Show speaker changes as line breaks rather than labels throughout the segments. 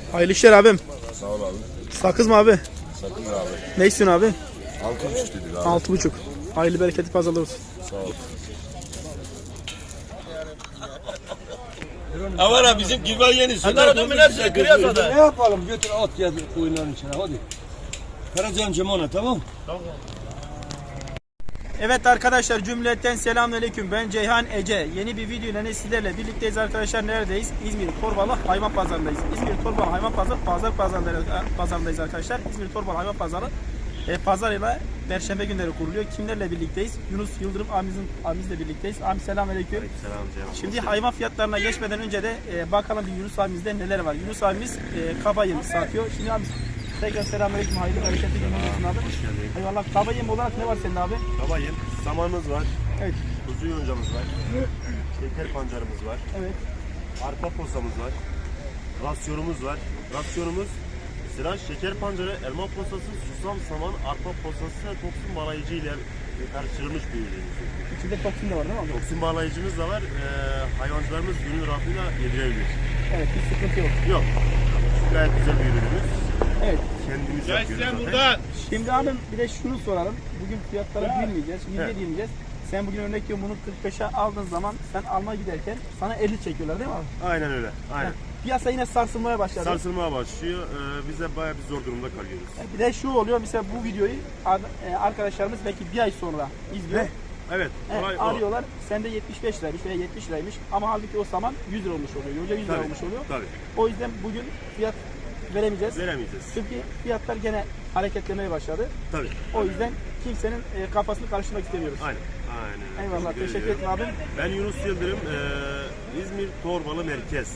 Hayırlı işler abim.
Sağ ol abi.
Sakız mı abi?
Sakın abi.
Ne istiyorsun abi?
6,5 dedik abi.
6,5. Hayırlı bereketli pazarlar olsun.
Sağ ol.
Avara bizim gibi yeni. Şunlar adamı nerede? Kırıyasa
Ne yapalım? Götür at ya koyunların içine hadi. Karacan Cemona tamam.
Evet arkadaşlar, cümleten selamünaleyküm. Ben Ceyhan Ece. Yeni bir video ile sizlerle birlikteyiz arkadaşlar. Neredeyiz? İzmir Torbalı Hayvan Pazarı'ndayız. İzmir Torbalı Hayvan Pazarı'ndayız arkadaşlar. İzmir Torbalı Hayvan Pazarı pazarıyla Perşembe günleri kuruluyor. Kimlerle birlikteyiz? Yunus Yıldırım abimizle birlikteyiz. Abi selamünaleyküm.
Selam Ceyhan.
Şimdi hayvan fiyatlarına geçmeden önce de bakalım bir Yunus abimizde neler var. Yunus abimiz kaba yem satıyor. Şimdi abi tekrar selamünaleyküm. Hayırlı bereketli günler olsun abi.
Hoş geldin.
Eyvallah. Kaba yem olarak ne var senin abi?
Kabayım. Samanımız var.
Evet.
Kuzu yoncamız var. Şeker pancarımız var.
Evet.
Arpa posamız var. Rasyonumuz var. Rasyonumuz sıra şeker pancarı, elma posası, susam, saman, arpa posası ve toksin bağlayıcı ile karıştırılmış bir ürünümüz.
İçinde toksin de var değil mi abi?
Toksin bağlayıcımız da var. Hayvancılarımız gönül rahatlığıyla yedirebilir.
Evet, bir sıkıntı yok.
Yok. Gayet güzel bir ürünümüz.
Evet.
Kendimiz yapıyoruz zaten.
Şimdi abim bir de şunu soralım. Bugün fiyatlara girmeyeceğiz,
Evet.
girmeyeceğiz. Sen bugün örnek veriyorum bunu 45'e aldığın zaman sen almaya giderken sana 50 çekiyorlar değil mi abi?
Aynen öyle. Aynen.
Piyasa yine sarsılmaya başladı.
Sarsılmaya başlıyor. Biz de bayağı bir zor durumda kalıyoruz.
Bir de şu oluyor, mesela bu videoyu arkadaşlarımız belki bir ay sonra izliyor.
Evet.
Evet,
Olay o.
arıyorlar. Sende 75 liraymış veya 70 liraymış ama halbuki o zaman 100 lira olmuş oluyor. Yonca 100 lira
Tabii,
olmuş oluyor.
tabii.
O yüzden bugün fiyat veremeyeceğiz.
Veremeyeceğiz.
Çünkü fiyatlar gene hareketlemeye başladı.
Tabii.
O yüzden kimsenin kafasını karıştırmak istemiyoruz.
Aynen. Aynen.
Eyvallah, teşekkür ederim abim.
Ben Yunus Yıldırım, İzmir Torbalı Merkez.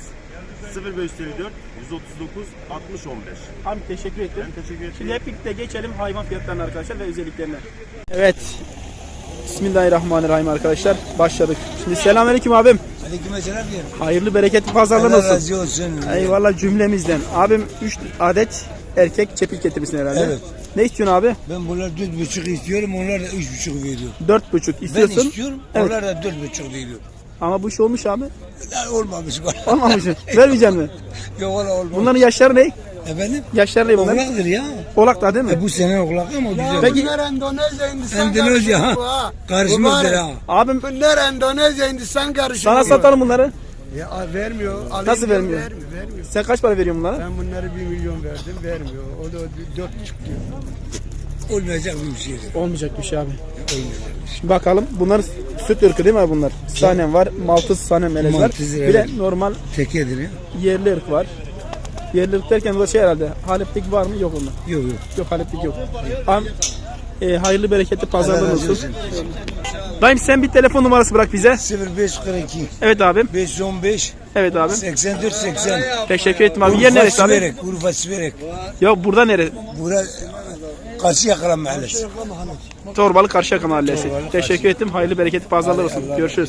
0554 139 60 15.
Abi teşekkür ederim.
Ben teşekkür ederim.
Şimdi hep birlikte geçelim hayvan fiyatlarına arkadaşlar ve özelliklerine. Evet. Bismillahirrahmanirrahim arkadaşlar. Başladık. Şimdi selamünaleyküm abim.
Aleykümselam diyorum.
Hayırlı bereketli pazarlar
Allah
olsun.
razı olsun.
Eyvallah cümlemizden. Abim 3 adet erkek çepil getirmişsin herhalde.
Evet.
Ne istiyorsun abi?
Ben bunlar 4,5 istiyorum, onlar da 3,5 veriyor.
4,5
Ben
istiyorsun.
istiyorum,
Evet.
onlar da 4,5 veriyor.
Ama bu iş olmuş abi.
Olmamış var.
Olmamış. Vermeyeceksin mi?
Yok valla olmamış.
Bunların yaşları ne?
Efendim?
Yaşları ne bunların?
Oğlaktır ya.
Oğlak da değil mi?
Bu sene oğlak ama güzel.
Peki
Bunlar Endonezya Hindistan
Endonezya ha.
karışımı ha.
Karışmıştır ha.
abim
Bunlar Endonezya Hindistan karışımı.
sana satalım bunları.
Ya vermiyor. Alayım
Nasıl
diyor,
vermiyor?
Vermiyor.
Sen kaç para veriyorsun bunlara?
Ben bunları 1 milyon verdim, vermiyor. O da 4,5 diyor.
Olmayacak bir şey.
Olmayacak bir şey abi.
Olmayacak bir şey.
Bakalım bunlar süt ırkı değil mi abi bunlar? Sanem var, Maltız sanem melez var.
Maltız,
Bir de
evet.
normal
Tekedir ya.
yerli ırk var. Yerli ırk derken o da şey herhalde. Haleplik var mı? Yok onda.
Yok yok.
Yok haleplik yok. Abi, hayırlı bereketli pazarlar
Allah razı
olsun. Dayım sen bir telefon numarası bırak bize.
0542
Evet abim.
515
Evet abim.
84 80.
Teşekkür ettim abi. Yer neresi abi?
Urfa Siverek.
Ya burada nere?
Bura Karşıyaka Mahallesi.
Torbalı Karşıyaka Mahallesi. Teşekkür ettim. Hayırlı bereketli pazarlar olsun. Görüşürüz.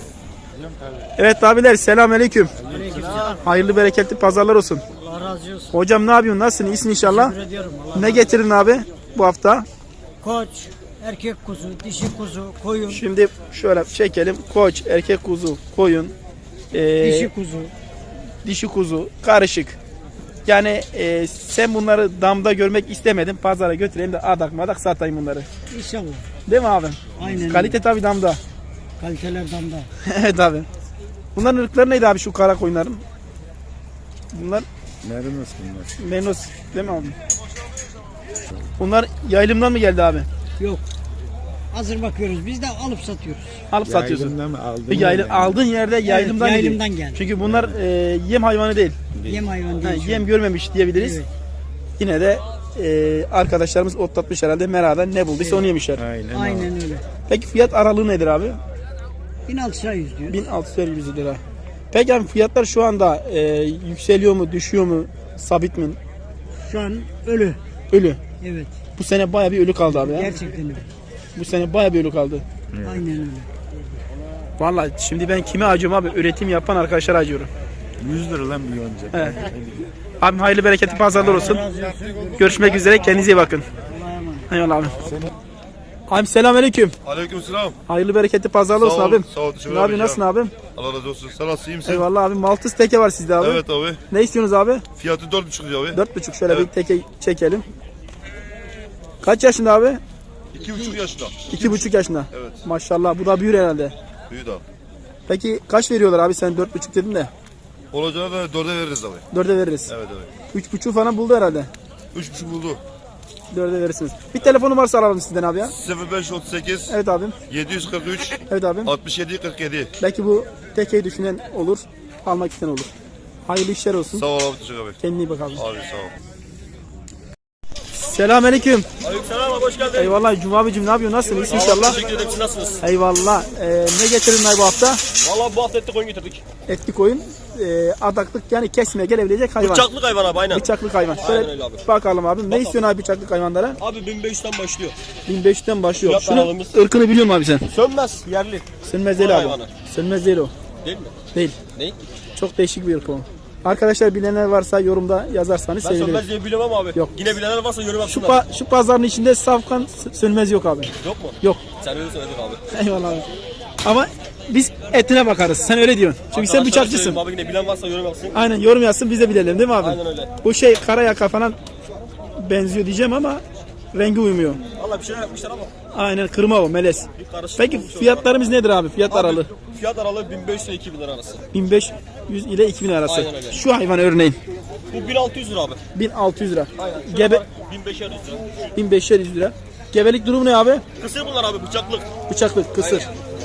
Evet abiler selamünaleyküm. Hayırlı bereketli pazarlar olsun.
Allah razı olsun.
Hocam ne yapıyorsun? Nasılsın? İyisin inşallah.
Teşekkür ediyorum. Allah
Ne getirdin abi bu hafta?
Koç, erkek kuzu, dişi kuzu, koyun,
Şimdi şöyle çekelim. Koç, erkek kuzu, koyun,
dişi kuzu.
dişi kuzu, karışık. Yani sen bunları damda görmek istemedin. Pazara götüreyim de adak madak satayım bunları.
İnşallah.
Değil mi abi?
Aynen.
Kalite tabii damda.
Kaliteler damda.
Evet abi. Bunların ırkları neydi abi şu kara koyunların? Bunlar
Merinos bunlar.
Menos değil mi abi? Bunlar yaylımdan mı geldi abi?
Yok. Hazır bakıyoruz. Biz de alıp satıyoruz.
Alıp satıyorsun.
mı aldın?
Aldığın yerde yaylımdan geliyor.
yaylımdan geldi.
Çünkü bunlar yem hayvanı değil.
Yem hayvan
Ha,
değil.
yem görmemiş diyebiliriz.
Evet.
Yine de arkadaşlarımız otlatmış herhalde. Merada ne bulduysa onu yemişler.
Aynen öyle.
Peki fiyat aralığı nedir abi?
1600 100 diyor.
1650 lira. Peki abi fiyatlar şu anda yükseliyor mu, düşüyor mu, sabit mi?
Şu an ölü.
Ölü.
Evet.
Bu sene baya bir ölü kaldı abi ya.
Gerçekten öyle.
Bu sene baya bir ölü kaldı.
Aynen öyle.
Vallahi şimdi ben kime acıyorum abi? Üretim yapan arkadaşlara acıyorum.
100 lira lan bir yonca.
Evet. Abim hayırlı bereketli pazarlar olsun. Görüşmek üzere. Kendinize iyi bakın.
Allah'a emanet.
Eyvallah abi. Abim selamünaleyküm.
Aleykümselam.
Hayırlı bereketli pazarlı olsun
Sağ ol,
abim.
sağ ol, teşekkür
Ne yapıyorsun,
ederim.
nasılsın abim?
Allah razı olsun. Sen nasılsın, iyi misin?
Eyvallah abim. Maltız teke var sizde abi.
Evet abi.
Ne istiyorsunuz abi?
Fiyatı 4,5 lira abi.
4,5 şöyle
Evet.
bir teke çekelim. Kaç yaşında abi?
2,5 yaşında.
2,5 yaşında.
Evet.
Maşallah bu da büyür herhalde.
Büyüdü abi.
Peki kaç veriyorlar abi, sen 4,5 dedin de.
Olacağına da 4'e veririz abi.
4'e veririz.
Evet evet.
3,5 falan buldu herhalde.
3,5 buldu.
4'e verirsiniz. Bir telefon numarası alalım sizden abi ya.
0538
Evet abim.
743
Evet abim.
67 47.
Belki bu tekeyi düşünen olur. Almak isteyen olur. Hayırlı işler olsun.
Sağ ol abi, teşekkür abi.
Kendine iyi bak abi.
Abi sağ ol.
Selamünaleyküm.
Aleykümselam abi, hoş geldin.
Eyvallah Cuma abicim, ne yapıyorsun? Nasılsın? İyisin inşallah.
Teşekkür ederim, siz nasılsınız?
Eyvallah. Ne getirdin ay bu hafta?
Valla bu hafta etli koyun getirdik.
Etli koyun. Adaklık, yani kesmeye gelebilecek hayvan.
Bıçaklık hayvan abi, aynen.
Bıçaklık hayvan.
Aynen
Şöyle
öyle abi.
bakalım abim. Ne istiyorsun abi bıçaklık hayvanlara?
Abi 1500'ten başlıyor.
1500'ten başlıyor.
Fiyat
Şunun
aralığımız.
ırkını biliyor musun abi sen?
Sönmez, yerli.
Sönmez değil
Var
abi.
hayvanı.
Sönmez değil o.
Değil mi?
Değil.
Ne?
Çok değişik bir ırk o. Arkadaşlar bilenler varsa yorumda yazarsanız
Ben
sevinirim.
sönmez diye bilemem abi.
Yok.
Yine bilenler varsa yorum
Şu,
yapsınlar.
şu pazarın içinde safkan sönmez yok abi.
Yok mu?
Yok.
Sen öyle söyledin abi.
Eyvallah abi. Ama biz etine bakarız. Sen öyle diyorsun. Çünkü sen
Arkadaşlar
bıçakçısın.
söyleyeyim Abi yine bilen varsa yorum yapsın.
Aynen, yorum yazsın biz de bilelim değil mi abi?
Aynen öyle.
Bu şey karayaka falan benziyor diyeceğim ama rengi uymuyor.
Valla bir şeyler yapmışlar ama.
Aynen, kırma o, melez.
Bir karışık
Peki
olmuş o
fiyatlarımız nedir abi? Fiyat
Abi,
aralığı
Fiyat aralığı 1500 ile 2000 lira arası.
1500 ile 2000 arası.
Aynen öyle.
Şu hayvan örneğin
Bu 1600 lira abi.
1600 lira.
Aynen. Şöyle
Gebe
bak, 1500 lira.
1500 lira. Gebelik durumu ne abi?
Kısır bunlar abi, bıçaklık.
Bıçaklık, kısır.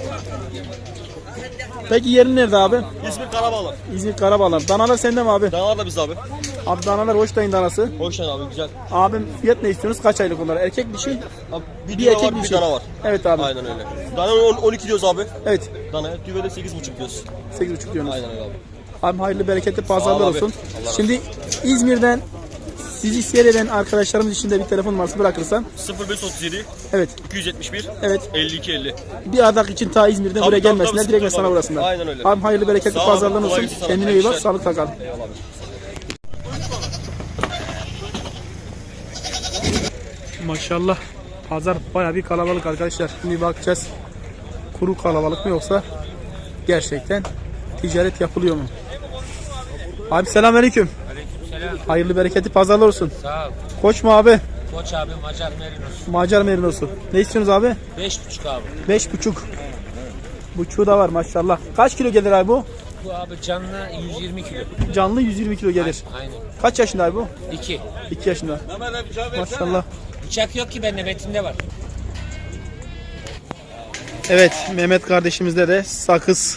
Peki yerin nerede abi?
İsmi Karabağlar.
İzmir Karabağlar. Danalar sende mi abi?
Danalar da biz abi.
Abi danalar Hoştay'ın danası.
Hoşçakal abi, güzel.
Abim fiyat ne istiyorsunuz? Kaç aylık onlar? Erkek dişi?
Abi, bir
Bir
düve
erkek
var,
bir
bir
şey.
dana var.
Evet abi.
Aynen öyle. Dana 12 diyoruz abi.
Evet.
Danaya düve de 8,5 diyoruz.
8,5 diyorsunuz.
Aynen öyle abi.
Abi hayırlı bereketli pazarlar
Sağ ol abi.
olsun.
Allah razı
Şimdi İzmir'den sizi seyreden arkadaşlarımız için de bir telefon numarası bırakırsan.
0537
Evet.
271
Evet.
52 50.
Bir adak için ta İzmir'den
Tabii,
buraya
tabii,
gelmesinler.
tabii,
Direkt
sıkıntı
sana
yok.
uğrasınlar.
Aynen öyle.
Abi hayırlı bereketli
Sağ ol,
pazarlar
kolay
olsun.
gelsin sana.
Kendine iyi
Hayırlı
bak.
işler.
Sağlıkla kal.
Eyvallah abi.
Maşallah. Pazar bayağı bir kalabalık arkadaşlar. Şimdi bakacağız. Kuru kalabalık mı yoksa gerçekten ticaret yapılıyor mu? Abi selamünaleyküm.
Aleykümselam.
Hayırlı bereketli pazarlar olsun.
Sağ ol.
Koç mu abi?
Koç abi Macar Merinos.
Macar merinosu. Ne istiyorsunuz abi?
5,5 abi.
5,5. Buçuğu da var maşallah. Kaç kilo gelir abi bu?
Bu abi canlı 120 kilo.
Canlı 120 kilo gelir.
Aynen.
Kaç yaşında abi bu?
2.
2 yaşında. Maşallah.
Bıçak yok ki bende, betinde var.
Evet, Mehmet kardeşimizde de sakız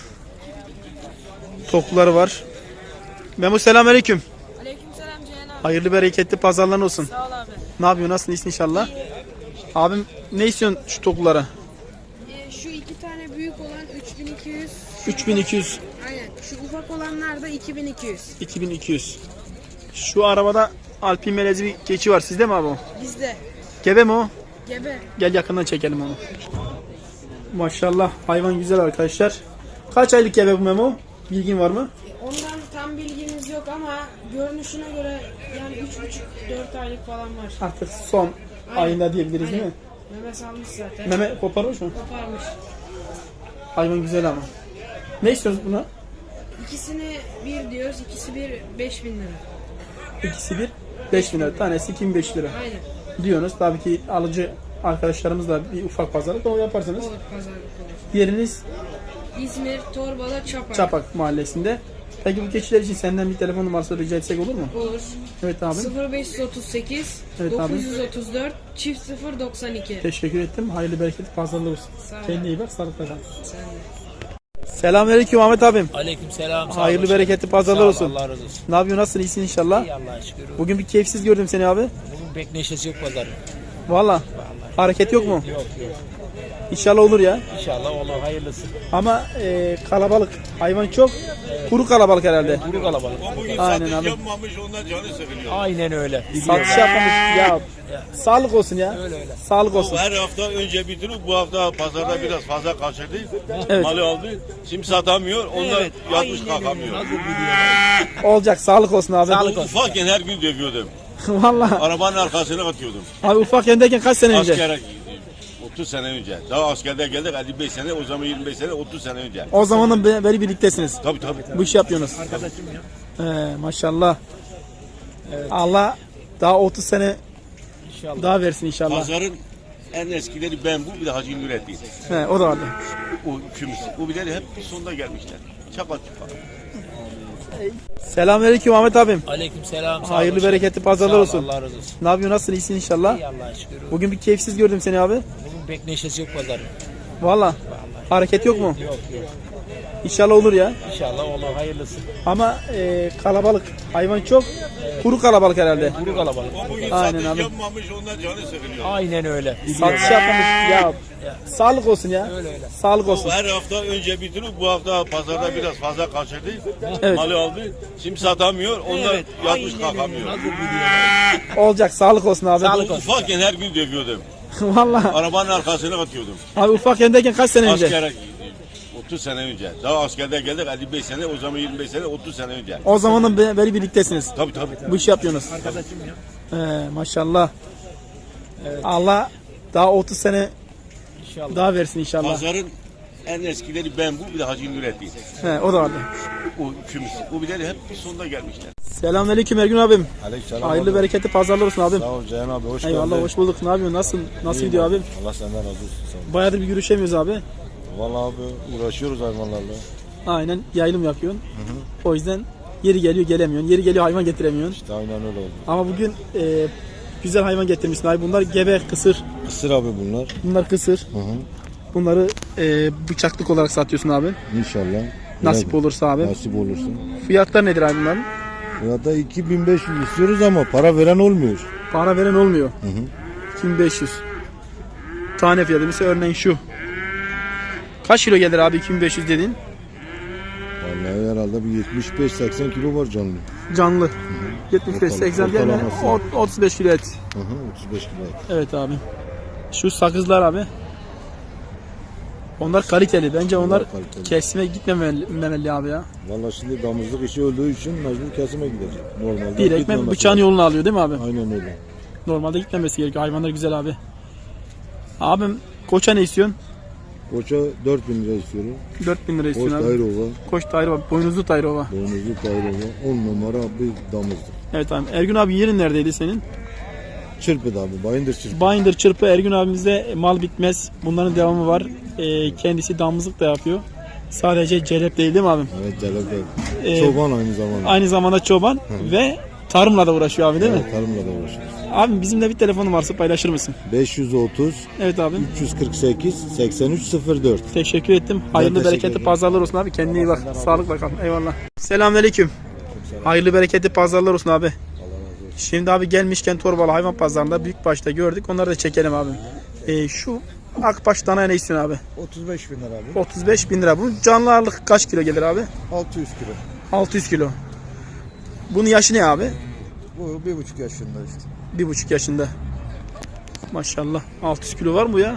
tokları var. Memo selamünaleyküm.
Aleykümselam Ceyhan abi.
Hayırlı bereketli pazarlar olsun.
Sağ ol abi.
Ne yapıyorsun? Nasılsın? İyisin inşallah. Abim ne istiyorsun şu toklara?
Şu iki tane büyük olan 3200.
3200,
Aynen. Şu ufak olanlar da 2200.
2200. Şu arabada Alpin melezi bir keçi var. Sizde mi abi o?
Bizde.
Gebe mi o?
Gebe.
Gel yakından çekelim onu. Maşallah hayvan güzel arkadaşlar. Kaç aylık gebe bu Memo? Bilgin var mı?
Ondan tam bilgimiz yok ama görünüşüne göre yani 3,5-4 aylık falan var.
Artık son ayında diyebiliriz değil mi?
Meme salmış zaten.
Meme koparmış mı?
Koparmış.
Hayvan güzel ama. Ne istiyoruz buna?
İkisini bir diyoruz, ikisi bir 5000 lira.
İkisi bir 5.000 lira. Tanesi 2500 lira.
Aynen.
Diyorsunuz. Tabii ki alıcı arkadaşlarımızla bir ufak pazarlık o yaparsınız.
Olur, pazarlık olur.
Yeriniz
İzmir, Torbalı, Çapak.
Çapak mahallesinde. Peki bu keçiler için senden bir telefon numarası rica etsek olur mu?
Olur.
Evet abi.
0538
Evet abi.
934 çift 092.
Teşekkür ettim. Hayırlı bereketli pazarlar olsun.
Sağ ol.
Kendine iyi bak. Sağlıkla kal.
Sen de.
Selamünaleyküm Ahmet abim.
Aleykümselam. Sağ ol.
Hayırlı bereketli pazarlar
Sağ ol,
olsun.
Allah razı olsun.
Ne yapıyorsun? Nasılsın? İyisin inşallah.
İyi Allah'a şükür.
Bugün bir keyifsiz gördüm seni abi.
Bugün pek neşesi yok pazarın.
Valla. Hareket yok mu?
Yok yok.
İnşallah olur ya.
İnşallah olur, hayırlısı.
Ama kalabalık. Hayvan çok. Kuru kalabalık herhalde.
Kuru kalabalık.
Bugün
Aynen
satış
abi.
yapmamış, ondan canı sıkılıyor.
Aynen öyle.
Satış yapmamış. Ya sağlık olsun ya. Sağlık olsun.
Her hafta önce bitirip bu hafta pazarda biraz fazla kaçırdı.
Evet.
Malı aldı. Şimdi satamıyor. Ondan yatmış kalkamıyor.
Olacak. Sağlık olsun abi.
Sağlık olsun.
Ufakken her gün dövüyordum.
Valla.
Arabanın arkasına atıyordum.
Abi ufak yendeyken kaç sene önce?
Askere
30 sene önce. Daha askerde geldik 55 sene, o zaman 25 sene, 30 sene önce.
O zamandan beri birliktesiniz.
Tabii.
Bu işi yapıyorsunuz. Maşallah. Allah daha 30 sene daha versin inşallah.
Pazarın en eskileri ben bu, bir de Hacı Nurettin.
O da vardı.
O ikimiz. Bu birileri hep sonunda gelmişler. Çapa çapa.
Selamünaleyküm Ahmet abim.
Aleyküm selam. sağ
Hayırlı
olun.
bereketli pazarlar
Sağ ol,
olsun.
Allah razı olsun.
Ne yapıyorsun? Nasılsın? İyisin inşallah.
İyi Allah'a şükür.
Bugün bir keyifsiz gördüm seni abi.
Bugün pek neşesi yok pazarın.
Valla. Hareket yok mu?
Yok.
İnşallah olur ya.
İnşallah olur hayırlısı.
Ama kalabalık. Hayvan çok. Kuru kalabalık herhalde.
Kuru kalabalık.
Bugün
Aynen
satış
abi.
yapmamış, onlar canı sıkılıyor.
Aynen öyle.
Satış yapmamış. Ya sağlık olsun ya.
Öyle.
Sağlık olsun.
Her hafta önce bitirip bu hafta pazarda biraz fazla kaçırdı.
Evet.
Malı aldı. Şimdi satamıyor. Onlar yatmış kalkamıyor.
Nasıl biliyor?
Olacak. Sağlık olsun abi.
Sağlık olsun.
Ufakken her gün dövüyordum.
Valla.
Arabanın arkasına atıyordum.
Abi ufakkendeyken kaç sene önce?
Askere 30 sene önce. Daha askerde geldik 55 sene, o zaman 25 sene, 30 sene önce.
O zamandan beri birliktesiniz.
Tabii.
Bu işi yapıyorsunuz. Maşallah. Allah daha 30 sene
İnşallah.
daha versin inşallah.
Pazarın en eskileri ben bu, bir de Hacı Nurettin.
O da vardı.
O ikimiz. Bu birileri hep sonunda gelmişler.
Selamünaleyküm Ergün abim.
Aleykümselam.
Hayırlı bereketli pazarlar olsun abim.
Sağ ol Ceyhan abi, hoş
Eyvallah
geldin.
hoş bulduk. Ne yapıyorsun? Nasıl gidiyor abim?
Allah senden razı olsun. Sağ ol.
Bayağıdır bir görüşemiyoruz abi.
Vallahi abi uğraşıyoruz hayvanlarla.
Aynen yayılım yapıyorsun. O yüzden yeri geliyor gelemiyorsun. Yeri geliyor hayvan getiremiyorsun.
İşte aynen öyle oldu.
Ama bugün güzel hayvan getirmişsin abi. Bunlar gebe, kısır.
Kısır abi bunlar.
Bunlar kısır. Bunları bıçaklık olarak satıyorsun abi.
İnşallah.
Nasip olursa abi.
Nasip olursa.
Fiyatlar nedir abi bunların?
Ya da 2500 istiyoruz ama para veren olmuyor.
Para veren olmuyor. 2500. Tane fiyatı. Mesela örneğin şu. Kaç kilo gelir abi 2500 dediğin?
Vallahi herhalde bir 75-80 kilo var canlı.
Canlı. 75-80 değil mi?
Ortalaması.
35 kilo et.
35 kilo et.
Evet abi. Şu sakızlar abi. Onlar kaliteli. Bence onlar
kaliteli.
kesime gitmemeli abi ya.
Vallahi şimdi damızlık işi öldüğü için mecbur kesime gidecek. Normalde
Direkt
gitmemesi
bıçağın
lazım.
yolunu alıyor değil mi abi?
Aynen öyle.
Normalde gitmemesi gerekiyor. Hayvanlar güzel abi. Abim koça ne istiyorsun?
Koça 4000 lira istiyorum.
4000 lira
Koç
istiyorsun abi.
Dairova,
Koç Tayrova. Boynuzlu Tayrova.
boynuzlu Dairova, 10 numara bir damızlık.
Evet abi. Ergün abi yerin neredeydi senin?
Çırpıdı abi, Bayındır çırpı.
Binder çırpı Ergün abimizde mal bitmez. Bunların devamı var. Kendisi damızlık da yapıyor. Sadece celep değil mi abim?
Evet, Celeb'de.
Ee,
Çoban aynı zamanda.
Aynı zamanda çoban ve tarımla da uğraşıyor abi değil mi?
Evet, tarımla da uğraşıyoruz.
Abim bizim de bir telefonum varsa paylaşır mısın?
530
Evet abim.
348 8304.
Teşekkür ettim. Hayırlı
teşekkür
bereketli
ederim.
pazarlar olsun abi. Kendine iyi bak. Sağlıkla kal. Eyvallah. Selamünaleyküm. Hayırlı bereketli pazarlar olsun abi. Şimdi abi gelmişken Torbalı hayvan pazarında büyükbaşta gördük. Onları da çekelim abi. Şu akbaş dana ne istiyorsun abi?
35 bin lira abi.
35 bin lira. Bu canlı ağırlık kaç kilo gelir abi?
600 kilo.
600 kilo. Bunun yaşı ne abi?
Bu 1,5 yaşında işte.
1,5 yaşında. Maşallah. 600 kilo var mı bu ya?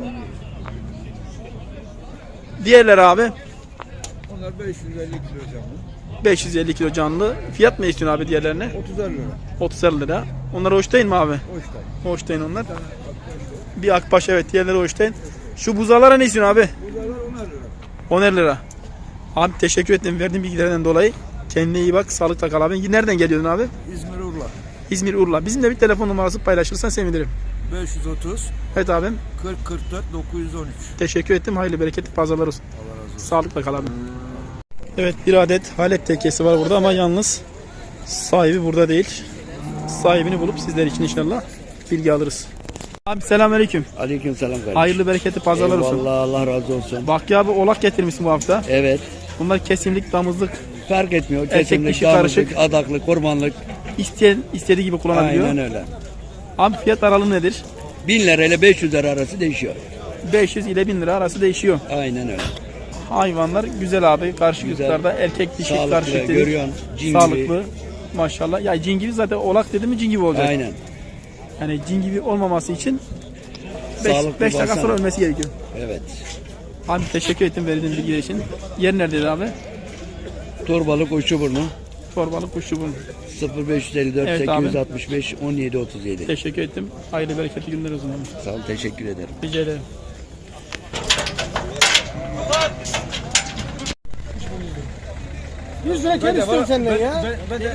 Diğerler abi?
Onlar 550 kilo canlı.
550 kilo canlı. Fiyat mı istiyorsun abi diğerlerine?
30 lira.
30 lira. Onlar Holstein mi abi?
Hoştay.
Holstein onlar. Bir akbaş evet. Diğerleri Holstein. Şu buzalara ne istiyorsun abi?
Bunlar 10 lira.
10 lira. Abi teşekkür ederim verdiğin bilgilerden dolayı. Kendine iyi bak. Sağlıkla kal abi. Nereden geliyordun abi?
İzmir Urla.
İzmir Urla. Bizim de bir telefon numarası paylaşırsan sevinirim.
530
Evet abim.
40 44 913.
Teşekkür ettim. Hayırlı bereketli pazarlar olsun. Sağlıkla kal abi. Evet bir adet Halep tekesi var burada ama yalnız sahibi burada değil. Sahibini bulup sizler için inşallah bilgi alırız. Abi selamünaleyküm.
Aleykümselam kardeşim.
Hayırlı bereketli pazarlar olsun.
Eyvallah, Allah razı olsun.
Bak ya abi oğlak getirmişsin bu hafta.
Evet.
Bunlar kesimlik, damızlık,
Fark etmiyor.
Erkek
Kesinlik,
dişi
damızlık,
karışık.
adaklık, kurbanlık.
isteyen istediği gibi kullanabiliyor.
Aynen öyle.
Abi fiyat aralığı nedir?
1000 lira ile 500 lira arası değişiyor.
500 ile 1000 lira arası değişiyor.
Aynen öyle.
Hayvanlar güzel abi. Karşı
Güzel.
yurtlarda erkek dişi
Sağlıklı,
karışık dedik.
görüyorsun. Cin
Sağlıklı.
gibi.
Maşallah. Ya cin gibi zaten oğlak dedi mi cin gibi olacak.
Aynen.
Yani cin gibi olmaması için
Sağlıklı
5 dakika
baksana.
sonra ölmesi gerekiyor.
Evet.
Abi teşekkür ettim verdiğin bilgiler için. Yer neredeydi abi?
Torbalık Uçuburnu.
Torbalı kuşçu bunun.
0554
Evet abi.
865 17 37.
Teşekkür ettim. Hayırlı bereketli günler o zaman.
Sağ ol, teşekkür ederim.
Rica ederim.
Yüz lira kere istiyorum senden ya.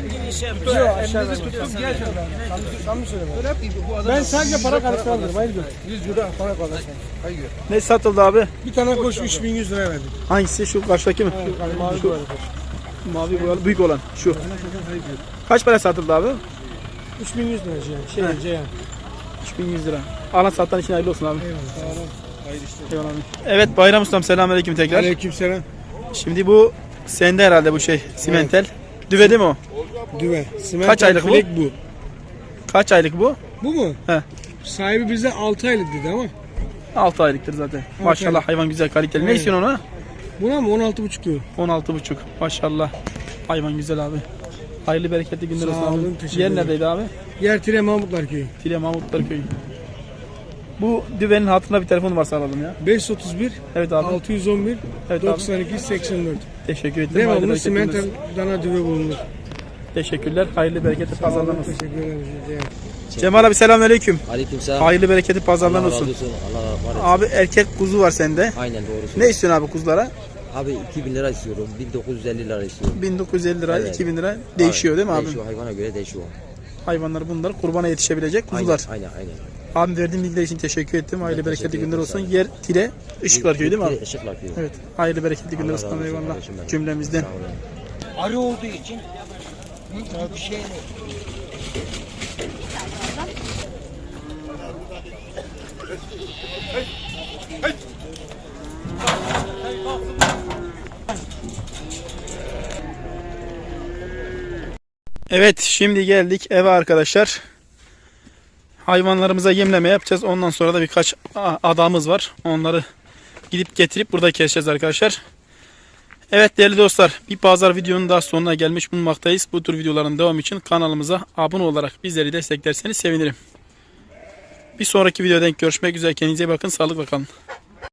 Ben sadece para karıştırdım. Hayır gör. 100 lira para karıştırdım. Hayır gör.
Ne satıldı abi?
Bir tane koş 3100 liraya verdim.
Hangisi? Şu karşıdaki mi?
Mavi
Şu
boyalı koş.
mavi boyalı büyük olan. Şu. Kaç para satıldı abi?
3100 lira Ceyhan.
3100 lira. Alan satan için hayırlı olsun abi. Eyvallah abi. Evet Bayram Ustam, selamünaleyküm tekrar.
Aleykümselam.
Şimdi bu sende herhalde bu şey simentel. Düve değil mi o?
Düve.
Kaç aylık bu?
bu?
Kaç aylık bu?
Bu mu?
He.
Sahibi bize 6 aylık dedi ama.
6 aylıktır zaten. Maşallah
aylık.
hayvan güzel kaliteli. Ne
Aynen.
istiyorsun ona?
Buna mı? 16,5 diyor.
16,5. Maşallah. Hayvan güzel abi. Hayırlı bereketli günler
Sağ
olsun
olun,
abi.
teşekkür
Yer
ederim.
neredeydi abi?
Yer Tire Mahmutlar Köyü.
Tile Mahmutlar Köyü. Bu düvenin hatırına bir telefon varsa alalım ya.
531
Evet abi.
611
Evet abi.
92 84.
Teşekkür ederim. Hayırlı
Devamlı
bereketli
simental
günler.
dana düve bulunur.
Teşekkürler. Hayırlı bereketli pazarlar olsun.
Teşekkür ederim.
Cemal abi selamünaleyküm.
Aleykümselam.
Hayırlı bereketli pazarlar
Allah
olsun.
razı olsun. Allah razı olsun.
Abi erkek kuzu var sende.
Aynen doğru.
Ne istiyorsun abi kuzulara?
Abi 2000 lira istiyorum. 1950 lira istiyorum.
1950 lira,
Evet.
2000 lira değişiyor değil mi abi?
Değişiyor. Hayvana göre değişiyor.
Hayvanlar bunlar kurbana yetişebilecek kuzular.
Aynen.
Abi verdiğin bilgiler için teşekkür ettim. Hayırlı bereketli günler olsun. Yer Tire Işıklar Köyü değil mi abi?
Işıklar Köyü.
Evet. Hayırlı bereketli günler
Allah
olsun.
razı olsun
Eyvallah.
kardeşim benim.
Cümlemizden.
Sağ olun.
Arı olduğu için bir şey
Evet, şimdi geldik eve arkadaşlar. Hayvanlarımıza yemleme yapacağız. Ondan sonra da birkaç adamız var. Onları gidip getirip burada keseceğiz arkadaşlar. Evet değerli dostlar, bir pazar videonun daha sonuna gelmiş bulunmaktayız. Bu tür videoların devamı için kanalımıza abone olarak bizleri desteklerseniz sevinirim. Bir sonraki videoda görüşmek üzere. Kendinize iyi bakın. Sağlıkla kalın.